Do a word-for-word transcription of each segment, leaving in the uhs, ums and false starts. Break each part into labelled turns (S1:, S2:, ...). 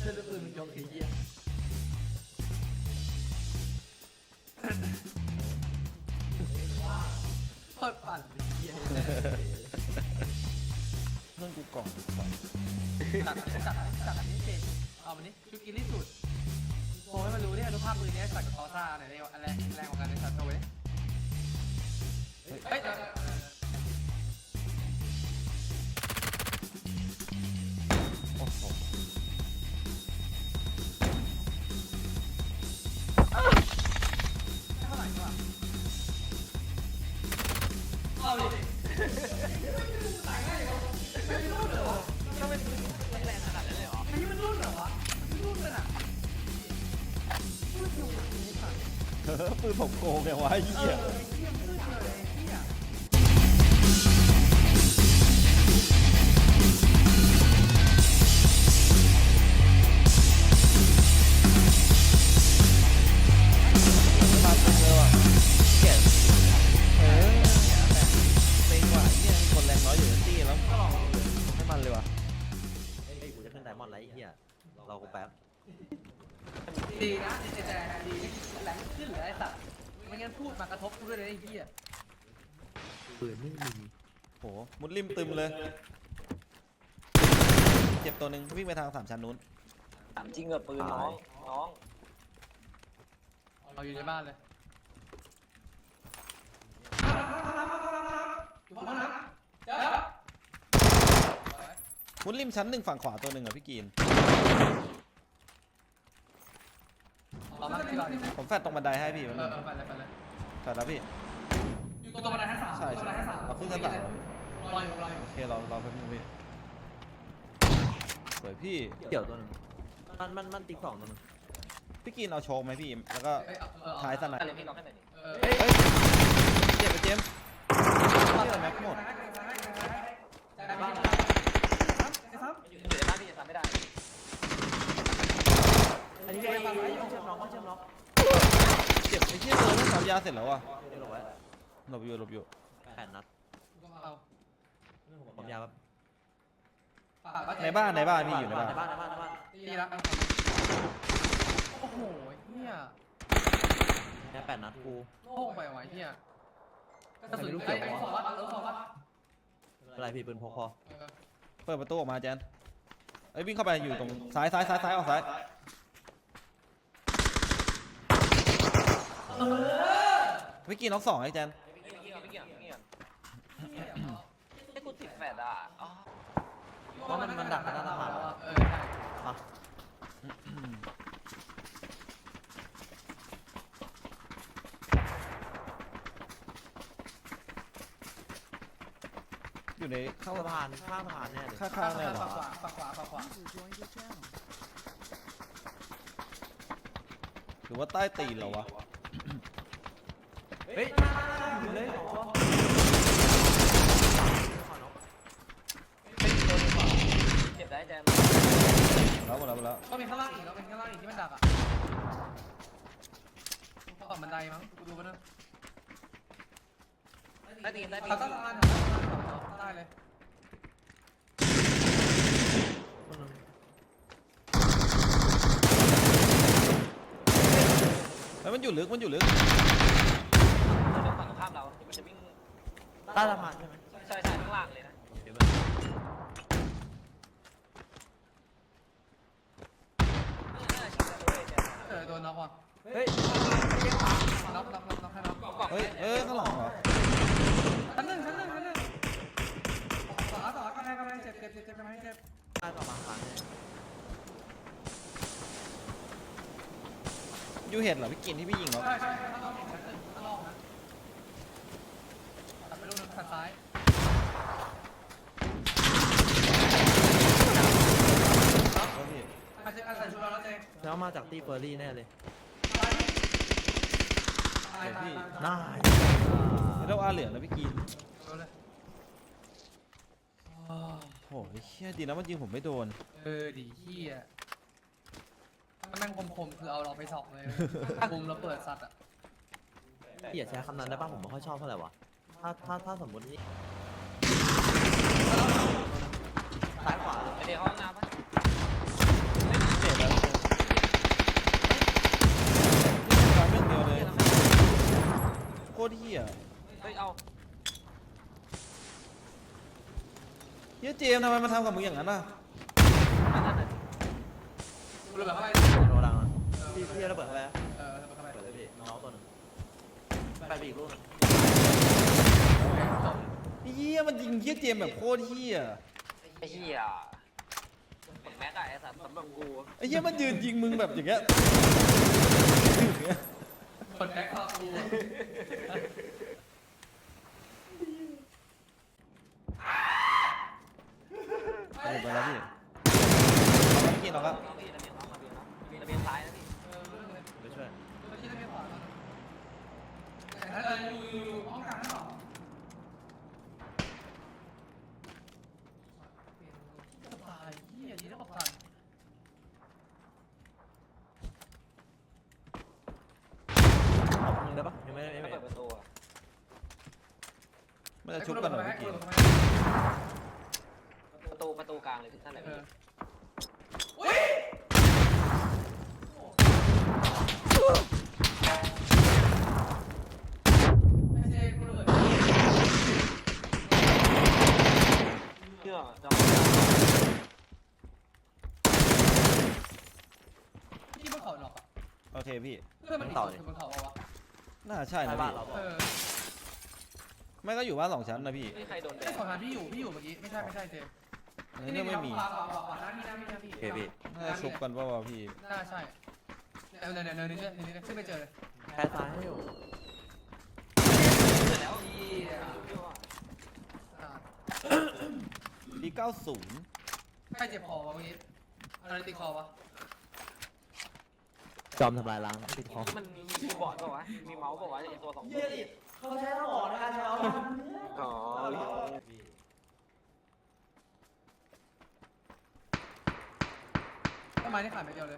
S1: จะลูกปืนมันยกไอ้เหี้ยโคตรปั่นไอ้เหี้ย
S2: เรื่องกูกล่อง
S1: จัดจัดจัดอันนี้เจนเอาวันนี้ชุดกินที่สุดโชว์ให้มันรู้เนี่ยอนุภาพปืนนี้จัดกับคอซ่าไหนเนี่ยอะไรแรงกว่ากันในสัตว์โชว์ดิเฮ้ย
S2: โอ้โห
S1: เท่าไหร่วะเอาดิตายง่ายเหรอไม่รุ่นเหรอทำไมมันแรงขนาดนั้นเลยเหรออันนี้มันรุ่นเหรอวะมันรุ่นกันอ่ะรุ่นอยู่กับนี้ค่ะ
S2: เออปืนผมโกงไงวะไอ้เหี้ยมาตึงเลยว่ะเก็บเออเต็งว่ะเนี่ยคนแรงน้อยอยู่ในตี้แล้วให้มันเลยว่ะ
S3: เฮ้ยกูจะขึ้นไดมอนด์แล้วไอ้เหี้ยรอกูแป๊บ
S1: ดีนะแต่แต่ดีแหลงขึ้นเหลือไอ้สัตว์ไม่งั้นพูดมากระทบกูด้วยเลยไอ้เหี้ย
S3: ปืนไม่มี
S2: โหมุดริมตึมเลยเจ็บตัวหนึ่งวิ่งไปทางสามชั้นนู้น
S4: ถามจริงเหรอปืนน้องน้อง
S1: เอาอยู่ในบ้านเลยอยู่ห้องน้ำเจ้า
S2: มุดริมชั้นหนึ่งฝั่งขวาตัวหนึ่งอ่ะพี่กีน
S1: เรามาที่บ้านดิ
S2: ผมแฟดตรงบันไดให้พี่
S1: เอ
S2: มัน
S1: อเออไปเลยไปเลย
S2: แฟดแล้วพี่
S1: อยู่ตรงบันไดชั้นสาม
S2: ใช่ใช่เราขึ้นชั้นสาม
S1: รออยู่รออยู่
S2: โอเคเราเราแป๊บนึงพี่สวยพี่
S3: เกี่ยวตัวหนึงมันมันมันติ๊กสองตัวหนึง
S2: พี่กีนเอาโชว์ไหมพี่แล้วก็
S1: เอ้ยเอาเออ
S2: ท้ายสนาม
S4: อะไรพี่น้องให้หน่อยดิ
S1: เออ
S2: เฮ้ยเจ็บไปเจมส์เจ็บแม็กหมด
S1: ได้บ้านครับ
S4: อยู่ในบ้านพี่จะทำไม่ได้
S3: อันนี้ก็ไอ้เชื่อมน้องว่าเชื่อมน้อง
S2: เจ็บไอ้เชี่ยเลยต้องสับยาเสร็จแล้วอ่ะ
S3: เดี๋ยวหลบไว้
S2: หลบอยู่หลบอยู่
S3: แปดนัด
S1: เอา
S3: ผมยาวแบบ
S2: ในบ้านในบ้านพี่อยู่ในบ้าน
S3: ในบ้านในบ้านในบ้าน
S1: ดีละโอ้โหเฮีย
S3: แค่แปดนัดกู
S1: โล่งไปว่ะเฮียกระสุนไอ้ไอ้สองวัดเออสองวัด
S3: ไม่เป็นไรพี่ปืนพกพอ
S2: เปิดประตูออกมาแจนไอ้ยวิ่งเข้าไปอยู่ตรงซ้ายซ้ายซ้ายซ้ายออกซ้าย
S1: เออ
S2: พี่กีนน็อกสองไอ้แจน
S4: ไม่เกี่ยวไม่เกี่ยวไม่เกี่ยวให้กูติดแฟดอ่ะอ๋อ
S3: เพราะมันมันดักหน้าตาผ่าน
S1: เออใช่
S3: อ่ะ
S2: อยู่ในเข้า
S3: สะพานข้างสะพานแน่เลย
S2: ข้างๆเลยเหรอ
S1: ฝั่งขวาฝั่งขวาฝั่งขวา
S2: หรือว่าใต้ตีนเหรอวะ
S3: เฮ้ยอยู่เลยขอ
S4: เจ็บได้แจม
S2: แล้วหมดแล้วหมดแล้ว
S1: ก็มีข้างล่างอีกแล้วเป็นข้างล่างอีกที่มันดักอ่ะฝั่งบันไดมั้งกูดูมันนะ
S4: ได้ตีนได้ตี
S1: เขา
S4: น
S1: ต้องการได้เลย
S2: เฮ้ยมันอยู่ลึกมันอยู่ลึก
S4: เดี๋ยวฝั่งข้ามเรามันจะวิ่ง
S3: ใต้สะพานใช่ไหม
S4: ใช่ใช่ข้างล่างเลยนะ
S3: เดี๋ยว
S4: น่าชิงเลยแจม
S1: เออโดนน็อกว่ะ
S3: เฮ้ย
S1: น็อกน็อกน็อกน็อกให้น็อก
S2: เฮ้ยเอ้ยข้างหลังเหรอ
S1: ชั้นหนึ่งชั้นหนึ่งชั้นหนึ่งต่อต่อกำแพงกำแพงเจ็บเจ็บเจ็บเจ็บกำแพงเจ็บ
S3: ใต้สะพานผ่านแน่
S2: ยูเห็ดเหรอพี่กินที่พี่ยิงเหรอ
S1: ใช่ใช่ข้างนอกชั้นหนึ่งข้างนอกนะตัดไปดูทางซ้าย
S2: เฮ้ยพี่
S1: อาจจะอาจจะชูเราแล้วเจ๊
S3: แล้วมาจากตีเฟอร์รี่แน่เลย
S1: ตายตาย
S3: น่า
S2: ไม่ต้องอาเหลืองนะพี่กิน
S1: ดูเลย
S2: โอ้ยเชี่ยดีนะมันยิงผมไม่โดน
S1: เออดีเฮียถ้าแม่งคมๆคือเอาเราไปสอบเลยมุมเราเปิดสัตว์อ่ะ
S3: พี่อย่าใช้คำนั้นได้ป่ะผมไม่ค่อยชอบเท่าไหร่วะถ้าถ้าถ้าสมมตินี่ซ้ายขวา
S4: ไปเดี๋ยวห้องน้ำปะ
S2: เจ็บแล้วตรเหี้ย
S4: เฮ้ยเอา
S2: เหี้ยเจมส์ทำไมมาทำกับมึงอย่างนั้นล่ะ
S4: อันนั้นน่ะ
S1: กูระเบิดเข้าไป
S3: โดนดังอ่ะพี่พี่ระเบิดเข้าไป
S1: เออระเบิดเข้าไป
S3: เปิดเลยพี่น้องตัวหนึงไปไปอีกลูกหนึง
S2: เหี้ยมันยิงเหี้ยเจมส์แบบโคตรเหี้ย
S4: ไอ้เหี้ยหมดแม็กอะไอ้สัตว์สำหรับกู
S2: ไอ้เหี้ยมันยืนยิงมึงแบบอย่างเงี้ย
S1: กดแบ็คเข้ากู
S2: ไปไปแล้วพี่เอาไปกินเราก็
S4: เอาพี่ระเบียงน้องระเบียงน้องระเบียงซ้ายนะพี่
S3: ไปช่วย
S1: ตัวที่ระเบียงขวาแต่ถ้าเอออยู่อยู่อยู่ห้องกลางนั่นหรอตายเหี้ยดีนะบอกตาย
S3: เอามึงได้ปะยังไม่ได้ไม่
S4: ไม่
S3: ได้
S4: เปิดประตูอะ
S2: มันจะชุบกันเหรอพี่กิน
S4: ประตูประตูกลางเลยพี่ท่านไหน
S1: เอ
S4: พี่
S1: ออุ้ยไม่ใช่กูระเบิด
S4: เชื่อจอ
S1: ที่บนเขาหรอกอ่ะ
S2: โอเคพี่
S1: เพื่อนมันต่อเลยบนเขาเอาวะ
S2: น่าใช่นะ
S3: บ้าน
S2: พี่
S3: เรา
S1: เออ
S2: ไม่ก็อยู่บ้านสองชั้นนะพี่
S4: ไม่ใครโดนแด
S1: ไอ้
S4: ด
S1: ขอทานพี่อยู่พี่อยู่เมื่อกี้ไม่ใช่ไม่ใช่เจม
S2: ในเรื่องไม่มี
S1: ขวาขวาขวาขวาน้ำมีน้ำมีน้ำพี่
S3: โอเคพี่
S2: น่าจะชุบกันเปล่าวะพี่
S1: น่าใช่เออเนินเนินเนินนี่นี่ขึ้นไปเจอเลย
S3: แพ้ซ้ายให้อยู่
S4: เสร็จแล้วพี่
S1: อ่า
S2: ปีเก้าศูนย์
S1: ใครเจ็บคอวะเมื่อกี้อะไรติดคอวะ
S3: จอมทำลายล้างติดคอ
S4: มันมีคีย์บอร์ดป่าวะมีเมาส์ป่าวะไอ้ตัวสองตัว
S3: เขาใช้สมองในการใช้เอา
S4: อ๋อ
S1: ต้นไม้นี่ขาดไปเดียวเลย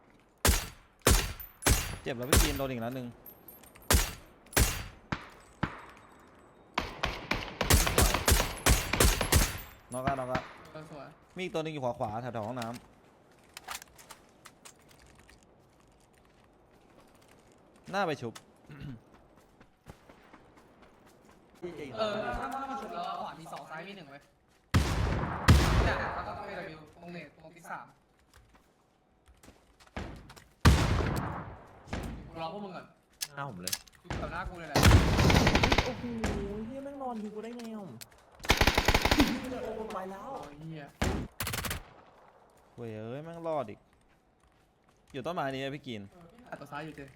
S2: เจ็บแล้วพี่กินโดนอีกนัดหนึ่งนอกอะนอกอะ
S1: เออสวย
S2: มีอีกตัวหนึงอยู่ขวาขวาๆแถวๆห้องน้ำหน้าไปชุบ
S1: เออถ้าถ้ามันฉุดแล้วขวามีสองซ้ายมีหนึ่งเว้ยเนี่ยแล้วก็เอวิวตรงเน็ตตรงที่สามกูรอพวกมึงก่อน
S3: หน้าผมเลย
S1: อยู่แถวหน้ากูเลยแหละ
S3: โอ้โหเฮียแม่งนอนอยู่กูได้ไงอ่ะโอ้โหไปแล้ว
S1: โอ้ยเหี้ย
S2: เว้ยเอ้ยแม่งรอดอีก อยู่ต้นไม้นี้นะพี่กิน
S1: อัดตัวซ้ายอยู่เจ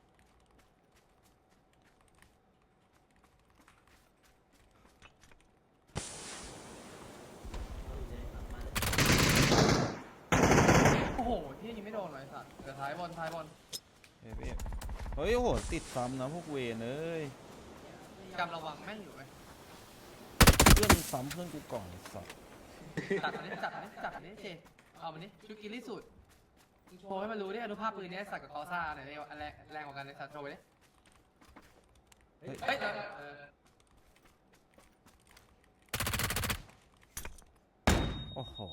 S1: โอ้โหที่ยิงไม่โดนเลยสัตว์เดี๋ยวท้ายบอลท้ายบอล
S2: เฮ้ยพี่เฮ้ยโอ้โหติดซ้ำนะพวกเวนเอ้ย
S1: กำระวังแม่งอยู่เว้ย
S2: เพื่อนซ้ำเพื่อนกูก่อนไอ้สัส
S1: จัดอันนี้จัดอันนี้จัดอันนี้เจเอามันนี้ชุดกินที่สุดโชว์ให้มันรู้ดิอนุภาพปืนนี้สัตว์กับคอซ่าไหนเรียกว่าอันแรงแรงกว่ากันในสัตว์โชว์ไปดิ
S2: เฮ้ย
S1: เฮ้ยเดี๋ยวเออ
S2: โอ้โห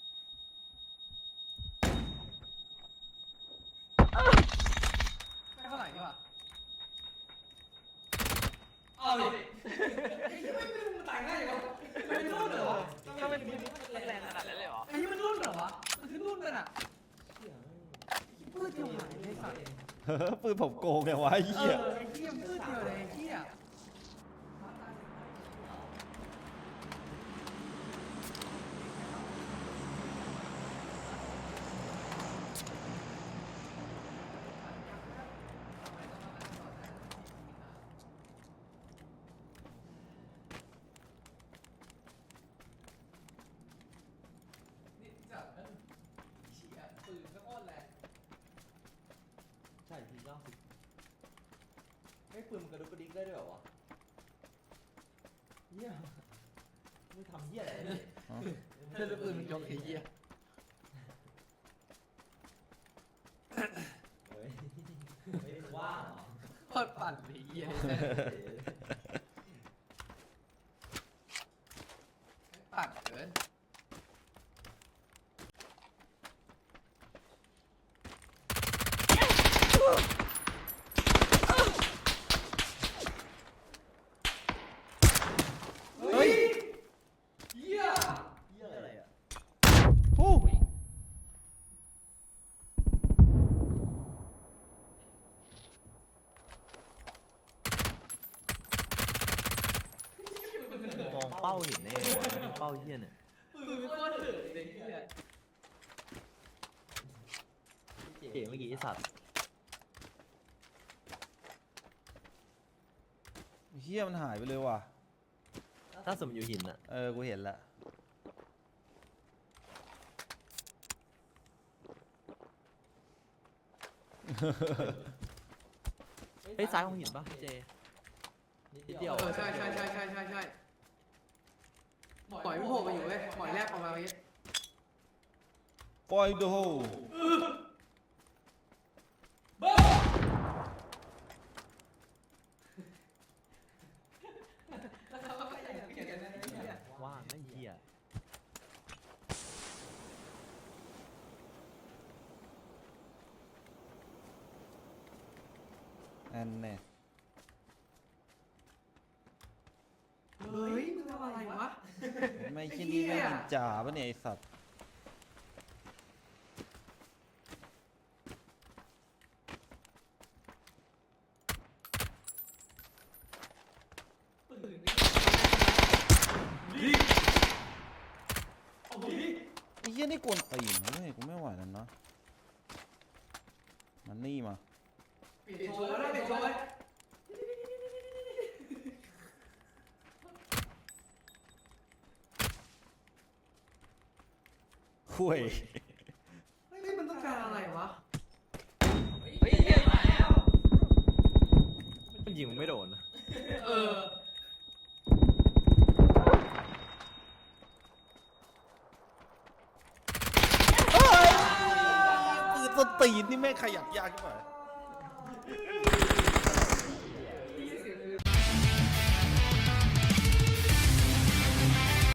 S1: ไม่เท่าไหร่นี่หว่าเอาดิไอ้ยี่ไม่ไม่รู้มันตายง่ายอย่างวะมันเป็นรุ่นเหรอวะ
S4: ก็เป็นแรงขนาดนั้นเลยเหรอ
S1: ไอ้ยี่มันรุ่นเหรอวะมันคือรุ่นกันอ่ะปืนเดียวหายเลยสัตว์
S2: เฮ้ยปืนผมโกงไงวะไอ้
S1: เอ
S2: เหี้ย
S1: อไอ้เหี้ยมันปืนเดียวเลยไอ้เหี้ยปืนก็โคตรแรง
S3: ใช่ทีเก้าสิบไม่ปืนมันกระดุกกระดิกได้ด้วยเหรอวะเฮียมึงทำเฮียอะไรเนี่ย
S2: อ๋อ
S1: เพื่อนปืนมันยกไอ้เหี้ย
S3: เฮ้ยไม่ได้ว่างเหรอ
S1: โคตรปั่นไอ้เหี้ยปั่นเกิน
S3: หินแน่เป้าเหี้ยเนี่ย
S1: ปืนโคตรถึกเลยเนี่ย
S3: เจ๋เมื่อกี้ไอ้สัตว์
S2: เฮียมันหายไปเลยว่ะ
S3: ถ้าสมอยู่หินอะ
S2: เออกูเห็นละ
S3: เฮ้ยซ้ายของหินปะเจนิดเดียว
S1: เออใช่ใช่ใช่ใช่ใช่ใช่ปล่อยไม่โผล่มาอยู่เว้ยปล่อยแรกออกมาเมื่อกี้
S2: ปล่อยดู
S3: ว่างไม่เหี้ย
S2: อันแน่
S1: เฮ้ยมึงทำอะไรวะ
S2: ไม่ใช่นี่ไม่กินจ่าปะเนี่ยไอสัตว์ไอ้เหี้ยนี่กวนตีนเฮ้ยกูไม่ไหวแล้วนะมันนี่มา
S1: เปลี่ยนโชว์แล้วเปลี่ยนโชว์เลย
S2: คุย
S1: เฮ้ยมันต้องการอะไรวะ
S3: มันยิงมึงไม่โดนนะ
S1: เออ
S2: ปืนต้นตีนนี่แม่งขยับยากใช่ไหม